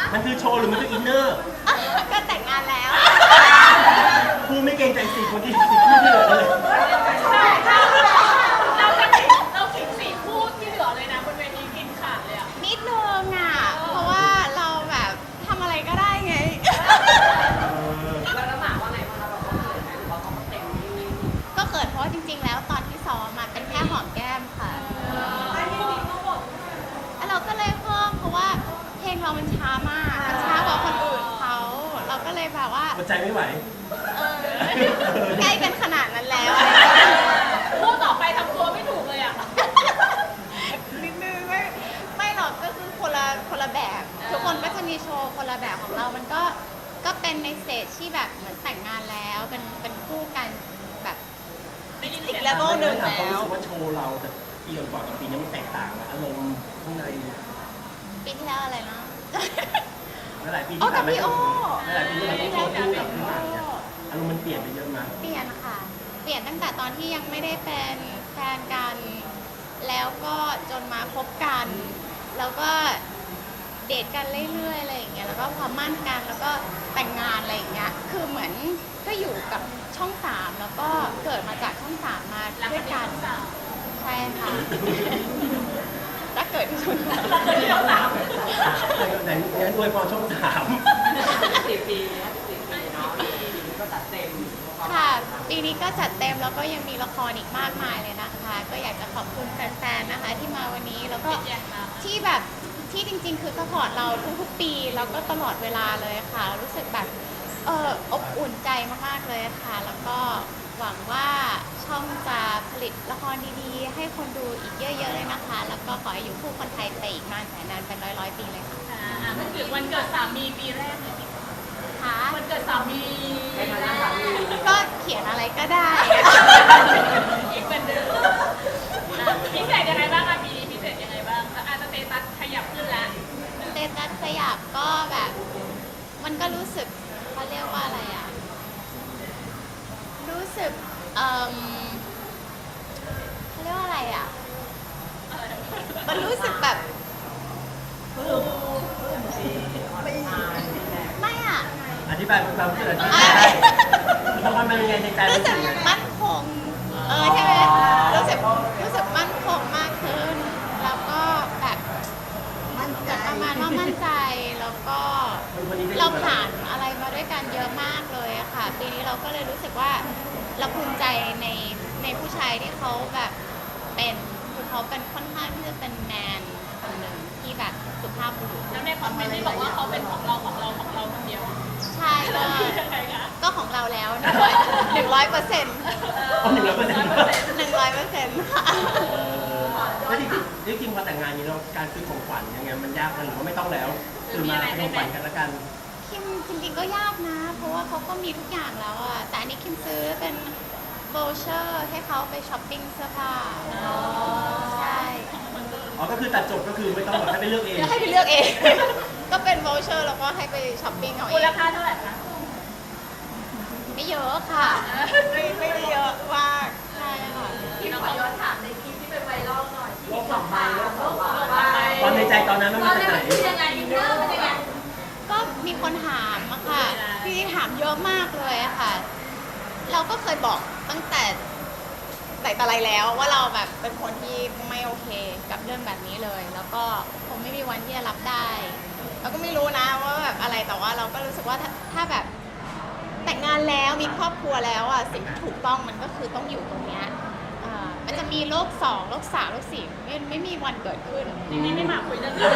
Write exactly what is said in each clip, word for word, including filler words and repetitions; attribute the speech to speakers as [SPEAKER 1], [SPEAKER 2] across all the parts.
[SPEAKER 1] มันคือโชว์หรือมันคืออินเนอร์
[SPEAKER 2] ก็แต่งงานแล้ว
[SPEAKER 1] พูดไม่เกรงใจสี่คนที่สี่คู่ที่เหลือเลย
[SPEAKER 3] เราเราขิงสี่คู่ที่เหลือเลยนะบนเวทีกินขาดเลยอ่ะ
[SPEAKER 2] นิดนึงอ่ะเพราะว่าเราแบบทำอะไรก็ได้ไง
[SPEAKER 3] แล้วแล้วหมาว่าไงบ้างคะเราเขาเขินไหมหรือว่าเขาเต็ม
[SPEAKER 2] ก็เกิดเพราะว่าจริงๆแล้วตอนที่ซ้อมมาเป็นแค่หอมแก้มค่ะเราก็เลยเพิ่มเพราะว่าเพลงเรามันช้ามากมันช้ากว่าคนอื่นเขาเราก็เลยแบบว่า
[SPEAKER 1] หัวใจไม่ไหว
[SPEAKER 2] เออใกล้กันขนาดนั้นแล้ว
[SPEAKER 3] คู่ต่อไปทำตัวไม่ถูกเลยอ่ะ
[SPEAKER 2] นิดนึงไม่ไม่หรอกก็คือคนละคนละแบบทุกคนก็จะมีโชว์คนละแบบของเรามันก็ก็เป็นในสเตจที่แบบเหมือนแต่งงานแล้วเป็นเป็นคู่กันแบบอีกเลเวลหนึ่งแล้ว
[SPEAKER 1] รู้สึกว่าโชว์เราแต่ปีก่อนกับปีนี้มันแตกต่างอารมณ์ข้างใน
[SPEAKER 2] ปีที่แล้วอะไรนะ
[SPEAKER 1] หลายปีที่ผ่านมาหลายปีที่ผ่านมาโชว์คู่กับพี่หมากเนี่ยอารมณ์มันเปลี่ยนไปเยอะมาก
[SPEAKER 2] เปลี่ยนค่ะเปลี่ยนตั้งแต่ตอนที่ยังไม่ได้เป็นแฟนกันแล้วก็จนมาคบกันแล้วก็เดทกันเรื่อยๆอะไรอย่างเงี้ยแล้วก็พอมั่นกันแล้วก็แต่งงานอะไรอย่างเงี้ยคือเหมือนก็อยู่กับช่องสามแล้วก็เกิดมาจากช่องสามมาด้วยกันใช่ค่ะถ้าเกิดที่ช่องสาม
[SPEAKER 3] ที่ช่องสาม
[SPEAKER 1] ไหนงั้นอวยพรช่องสาม
[SPEAKER 3] สี่ปีสี่ปีเนาะก็จัดเต็ม
[SPEAKER 2] ค่ะปีนี้ก็จัดเต็มแล้วก็ยังมีละครอีกมากมายเลยนะคะก็อยากจะขอบคุณแฟนๆนะคะที่มาวันนี้แล้วก็ที่แบบที่จริงๆคือสปอร์ตเราทุกๆปีแล้วก็ตลอดเวลาเลยค่ะรู้สึกแบบเอออบอุ่นใจมากๆเลยค่ะแล้วก็หวังว่าช่องจะผลิตละครดีๆให้คนดูอีกเยอะๆเลยนะคะแล้วก็ขอให้อยู่คู่คนไทยไปอีกนานแสนนานเป็นร้อยๆปีเลยค่ะ
[SPEAKER 3] อ่ามันคือวันเกิดสามีปีแรกเลย
[SPEAKER 2] ค่ะ
[SPEAKER 3] วันเกิดสามี
[SPEAKER 2] ก็เขียนอะไรก็ได้
[SPEAKER 3] อีกเป็นเดิมพิเศษยังไงบ้างคะปีนี้พิเศษยังไงบ้างอาจจะสเตตัสขยับขึ้นแล้ว
[SPEAKER 2] สเตตัสขยับก็แบบมันก็รู้สึกเขาเรียกว่าอะไรอ่ะรู้สึกเอ่อเขาเรียกว่าอะไรอ่ะมันรู้สึกแบบไม่อ่ะ
[SPEAKER 1] อธิบายความรู้สึกอธิบายได้เพราะมันเป็นไงในใจ
[SPEAKER 2] รู้สึกมั่นคงเออใช่ไหมรู้สึกรู้สึกมั่นคงมากขึ้นแล้วก็แบบประมาณว่ามั่นใจแล้วก็เราผ่านอะไรมาด้วยกันเยอะมากเลยค่ะปีนี้เราก็เลยรู้สึกว่าเราภูมิใจในในผู้ชายที่เขาแบบเป็นคือเขาเป็นค่อนข้างที่จะเป็นแมนคนหนึ่งที่แบบสุภาพบุรุษ
[SPEAKER 3] แล้วในคอมเมนต์ที่บอกว่าเขาเป็นของเราของเราของเราคนเดียว
[SPEAKER 2] ใช่ก็ก็ของเราแล้วหนึ่งร้อยเปอร์เซ็นต์
[SPEAKER 1] หนึ่งร้อยเปอร์เซ็นต์
[SPEAKER 2] หนึ่งร้อยเปอร์เซ็นต์ค่ะ
[SPEAKER 1] แล้วจริงจริงพอแต่งงานนี้เราการซื้อของขวัญยังไงมันยากหรือว่าไม่ต้องแล้วคือมาเป็นของขวัญกันละกัน
[SPEAKER 2] คิมจริงๆก็ยากนะเพราะว่าเขาก็มีทุกอย่างแล้วอะแต่อันนี้คิมซื้อเป็นโวเชอร์ให้เขาไปช้อปปิ้งเสื้อผ้าใช่
[SPEAKER 1] อ๋อก็คือตัดจบก็คือไม่ต้องแบบให้ไปเลือกเอง
[SPEAKER 2] ให้ไปเลือกเองก็เป็นโวเชอร์แล้วก็ให้ไปช้อปปิ้งเอาเอง
[SPEAKER 3] มูลค่าเท่าไหร่คะ
[SPEAKER 2] ไม่เยอะค่ะไม่ไม่ได้เยอะมากใช่ค่ะ
[SPEAKER 3] ที่ขอย้อนถามในคลิปที่เป็นไวรัลหน่อยที่สองใบแล้วสองใบ
[SPEAKER 1] ตอนในใจตอนนั้นมันเป็นไหน
[SPEAKER 3] ยังไงอินเนอร์เป็นยังไง
[SPEAKER 2] ก็มีคนถามอะค่ะพี่ถามเยอะมากเลยอะค่ะเราก็เคยบอกตั้งแต่แต่อะไรแล้วว่าเราแบบเป็นคนที่ไม่โอเคกับเรื่องแบบนี้เลยแล้วก็คงไม่มีวันที่จะรับได้เราก็ไม่รู้นะว่าแบบอะไรแต่ว่าเราก็รู้สึกว่าถ้าถ้าแบบแต่งงานแล้วมีครอบครัวแล้วอ่ะสิ่งที่ถูกต้องมันก็คือต้องอยู่ตรงเนี้ยมันจะมีโรคสองโรคสามโรคสี่ไม่ไม่มีวันเกิดขึ้น
[SPEAKER 3] นี่ไม่มาคุยเรื่องนี้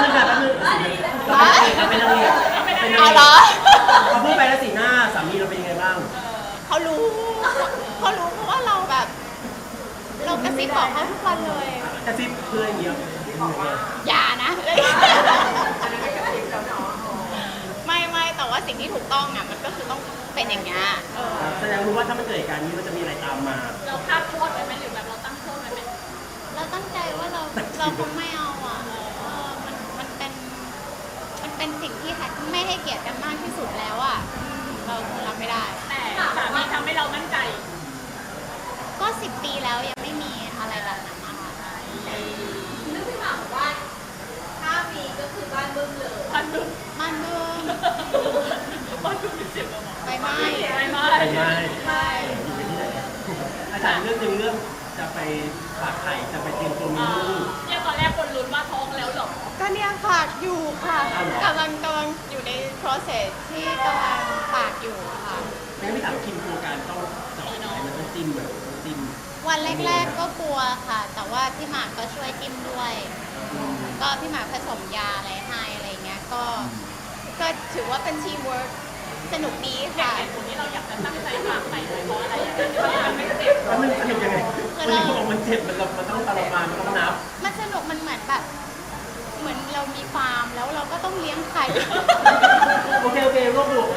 [SPEAKER 1] เป็นอะไรเป็นอะไร
[SPEAKER 2] เอาเหรอ
[SPEAKER 1] เขาพูดไปแล้วสีหน้าสามีเราเป็นยังไงบ้าง
[SPEAKER 2] เขารู้เขารู้เพราะว่าเราแบบเรากระซิบบอกเขาทุกวันเลย
[SPEAKER 1] กระซิบเพื่อนเยอะ
[SPEAKER 2] อย่านะไม่ไม่แต่ว่าสิ่งที่ถูกต้องอ่ะมันก็คือต้องเป็นอย่างเงี้ย
[SPEAKER 1] แสดงรู้ว่าถ้ามันเกิดเหตุการณ์นี้มันจะมีอะไรตามมา
[SPEAKER 3] เราคาดโทษไว้ไหมหรือแบบเราตั้งโทษไว้ไหม
[SPEAKER 2] เราตั้งใจว่าเราเราคงไม่เอาอ่ะมันมันเป็นมันเป็นสิ่งที่ไม่ให้เกียรติกันมากที่สุดแล้วอ่ะเราคงรับไม่ได้
[SPEAKER 3] แต่สามีทำให้เรามั่นใจ
[SPEAKER 2] ก็สิบปีแล้วยังไม่มีอะไรแบบนั้นนะคะ
[SPEAKER 3] นึกพี่หมากว่าถ้ามีก็คือบ้านบึ้มเลยบ้านบึ้ม
[SPEAKER 2] ไม่บ้านเมือง
[SPEAKER 3] บ้านคุณมีสิบกว่าหมอ
[SPEAKER 2] ไปไหม้
[SPEAKER 3] ไม่ไม่
[SPEAKER 1] ไปไหม
[SPEAKER 2] ใช่
[SPEAKER 1] อยู่ไปที่ไหนอาจารย์เรื่องหนึงเรื่องจะไปฝากไข่จะไปเตรียมตัวมี
[SPEAKER 3] อ่า
[SPEAKER 1] ลูก
[SPEAKER 3] เนี่ยตอนแรกคนลุ้นว่าท้องแล้วเหรอ
[SPEAKER 2] ก็เนี่ยฝากอยู่ค่ะ
[SPEAKER 1] อ้าวเหรอ
[SPEAKER 2] กำลังกำลังอยู่ใน process ที่กำลังฝากอยู่ค่ะ
[SPEAKER 1] ไม่งั้นพี่ถามคิมกลัวการต้องเจาะไข่มันต้องจิ้มแบบต้องจิ้ม
[SPEAKER 2] วันแรกๆก็กลัวค่ะ แต่ว่าพี่หมากก็ช่วยจิ้มด้วย ก็พี่หมากผสมยาอะไรให้อะไรเงี้ย ก็ ก็ถือว่าเป็นทีมเวิร์กสนุกดี
[SPEAKER 3] เห
[SPEAKER 2] ค่ะ
[SPEAKER 3] ตุผลที่เราอยากจะตั้งใจฝากไข่เลยเพราะอะไรอย่างเงี้ยเพราะมันไม่เจ็บ
[SPEAKER 1] แล้วมันสนุกยังไงมันมีบอกมันเจ็บมันมันต้องทรมานมันต้องนับ
[SPEAKER 2] มันสนุกมันเหมือนแบบ เหมือนเรามีฟาร์มแล้วเราก็ต้องเลี้ยงไข่
[SPEAKER 1] โอเคโอเครวบรวม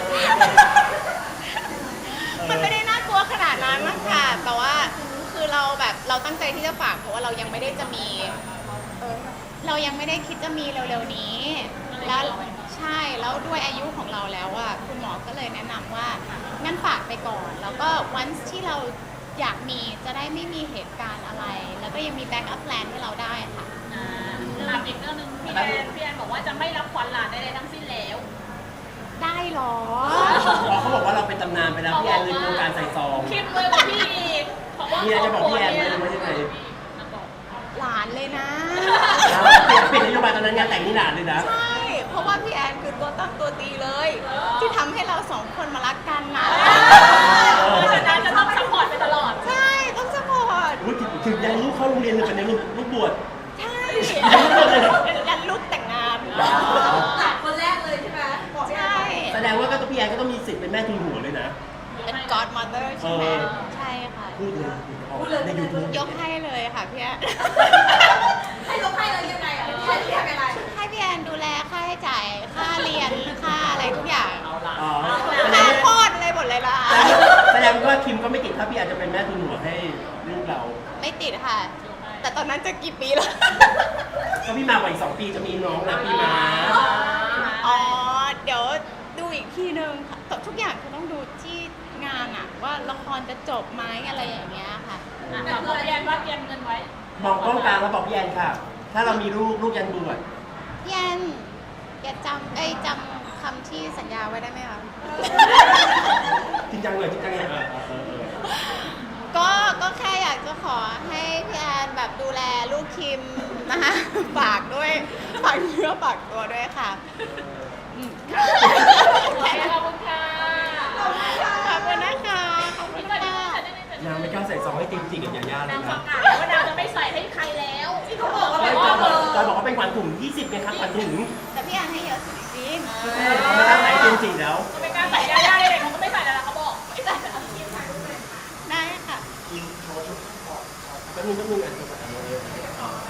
[SPEAKER 2] มันไม่ได้น่ากลัวขนาดนั้นมั้งค่ะ แต่ว่าคือเราแบบเราตั้งใจที่จะฝากเพราะว่าเรายังไม่ได้จะมีเออเรายังไม่ได้คิดจะมีเร็วๆนี้ แล้วใช่แล้วด้วยอายุของเราแล้วอ่ะคุณหมอก็เลยแนะนำว่างั้นฝากไปก่อน แล้วก็วันที่เราอยากมีจะได้ไม่มีเหตุการณ์อะไร แล้วก็ยังมีแบ็กอัพแพลนให้เราได้ค่ะ
[SPEAKER 3] อ่าถามอีกเรื่องหนึงพี่แอนพี่แอนบอกว่าจะไม่รับขวัญหลานใดๆทั้งสิ้นแล้ว
[SPEAKER 2] ได้เหรอ
[SPEAKER 1] อ๋อเขาบอกว่าเราเป็นตำนานไปแล้วพี่แอนเลยโครงการใส่ซอง
[SPEAKER 3] คิดเลยว่าพี่อีกเพราะว่า
[SPEAKER 1] มีอะไรจะบอกพี่แอนไหมหรือว่ายังไง
[SPEAKER 2] หลานเลยนะ
[SPEAKER 1] เปลี่ยนนโยบายตอนนั้นงานแต่งนี่หลานเลยนะ
[SPEAKER 2] ใช่ เพราะว่าพี่แอนคือตัวตั้งตัวตีเลย ที่ทำให้เราสองคนมารักกันนะ
[SPEAKER 3] เพราะฉะนั้นจะต้องซัพพอร์ตไปตลอด
[SPEAKER 2] ใช่ ต้องสปอร์ต
[SPEAKER 1] อุ๊ยถึงถึงยังลูกเข้าโรงเรียนเลยเป็นยังลูกลูกบวช
[SPEAKER 2] ใช่ยันลูกแต่งงาน
[SPEAKER 4] หลานคนแรกเลยใช่ไหมบอกพี่แอ
[SPEAKER 2] ใช่
[SPEAKER 4] น
[SPEAKER 1] แสดงว่าก็ต้องพี่แอนก็ต้องมีสิทธิ์เป็นแม่ทุนหัวเลยนะ
[SPEAKER 2] เป็น godmother ใช่ไหม
[SPEAKER 1] เออ
[SPEAKER 2] ใช่ค่ะ
[SPEAKER 1] พูดเลยพูดเลยในยูทูบ
[SPEAKER 2] ยกให้เลยค่ะพี่แอน
[SPEAKER 4] ให้ยกให้เลยยังไงอ่ะพี่แอนเรียกอะไร
[SPEAKER 2] ให้พี่แอนดูแลค่าใช้จ่าย ค่าเรียน ค่าอะไรทุกอย่าง
[SPEAKER 1] อ๋อแสด
[SPEAKER 2] ค่าง
[SPEAKER 1] ว่า
[SPEAKER 2] โคตรอะไรหมดเลยล่ะ
[SPEAKER 1] แสดงว่าคิมก็ไม่ติดถ้าพี่แอนจะเป็นแม่ทุนหัวให้ลูกเรา
[SPEAKER 2] ไม่ติดค่ะ แต่ตอนนั้นจะกี่ปีแล้ว
[SPEAKER 1] ก็พี่มากว่าอีกสองปีจะมีน้องแล้วพี่มา
[SPEAKER 2] อ๋อ เดี๋ยวดูอีกทีนึงค่ะแต่ทุกอย่างคือต้องดูที่งานอะว่าละครจะจบไหมอะไรอย่างเงี้ยค่ะ
[SPEAKER 3] อ่ะแต่บอกพี่แอนว่าเตรียมเงินไว้
[SPEAKER 1] มองกล้องกลางแล้วบอกพี่แอนค่ะ ถ้าเรามีลูกลูกยันบวช
[SPEAKER 2] พี่แอนแกจำเอ้ยจำคำที่สัญญาไว้ได้ไหมคะ
[SPEAKER 1] จริงจังเลยจริงจังเลยเออเออเออ
[SPEAKER 2] ก็ ก็แค่อยากจะขอให้พี่แอนแบบดูแลลูกคิมนะคะ ฝากด้วยฝากเนื้อฝากตัวด้วยค่ะอืม
[SPEAKER 3] โอเคขอบคุณค่ะ
[SPEAKER 2] ขอบคุณนะคะ ขอบคุณค่ะ
[SPEAKER 1] นางไม่กล้าใส่ซองให้จริงจริงกับยาย่าเล
[SPEAKER 3] นาย งป
[SPEAKER 1] นะ
[SPEAKER 3] ระกาศแล้วว่านางจะไม่ใส่ให้ใครแล้วที่เขาบอกว่า
[SPEAKER 1] ไม่
[SPEAKER 3] เป็น
[SPEAKER 1] จ
[SPEAKER 3] พ่
[SPEAKER 1] อ
[SPEAKER 3] อย เบอร์
[SPEAKER 1] จอยบอกว่าเป็นขวัญถุงยี่สิบไงครับขวัญถุง
[SPEAKER 2] แต่พี่แอนให้เยอะสุดจริง
[SPEAKER 1] เขาไม่กล้าใส่จริงจริงแล้ว
[SPEAKER 3] เขาไม่กล้าใส่ยาย่าเลยเขาก็ไม่ใส่แล้วนะเขาบอกไม่ใส่แล้ว
[SPEAKER 2] ได้ค่ะ
[SPEAKER 1] แป๊บนึงแป๊บนึงอ่ะอ๋อ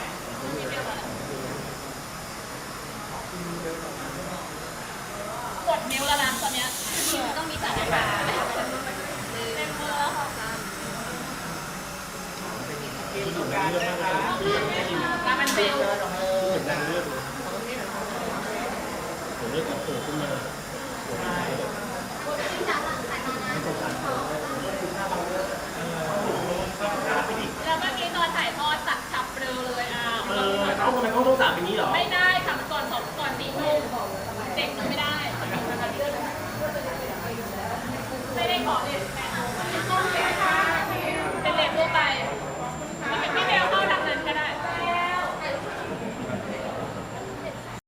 [SPEAKER 3] กดนิ้วแล้วนะตอนเนี้ย
[SPEAKER 2] ต้องมีสัญญา
[SPEAKER 3] เต็มมือแล้วค่ะ
[SPEAKER 1] อยู่ในเรื่องมากเลยนะ
[SPEAKER 3] มามันเป็น
[SPEAKER 1] เหมือนนางเลือกเลยเดี๋ยวเลือกกับโผล่ขึ้นมาไม่สงสาร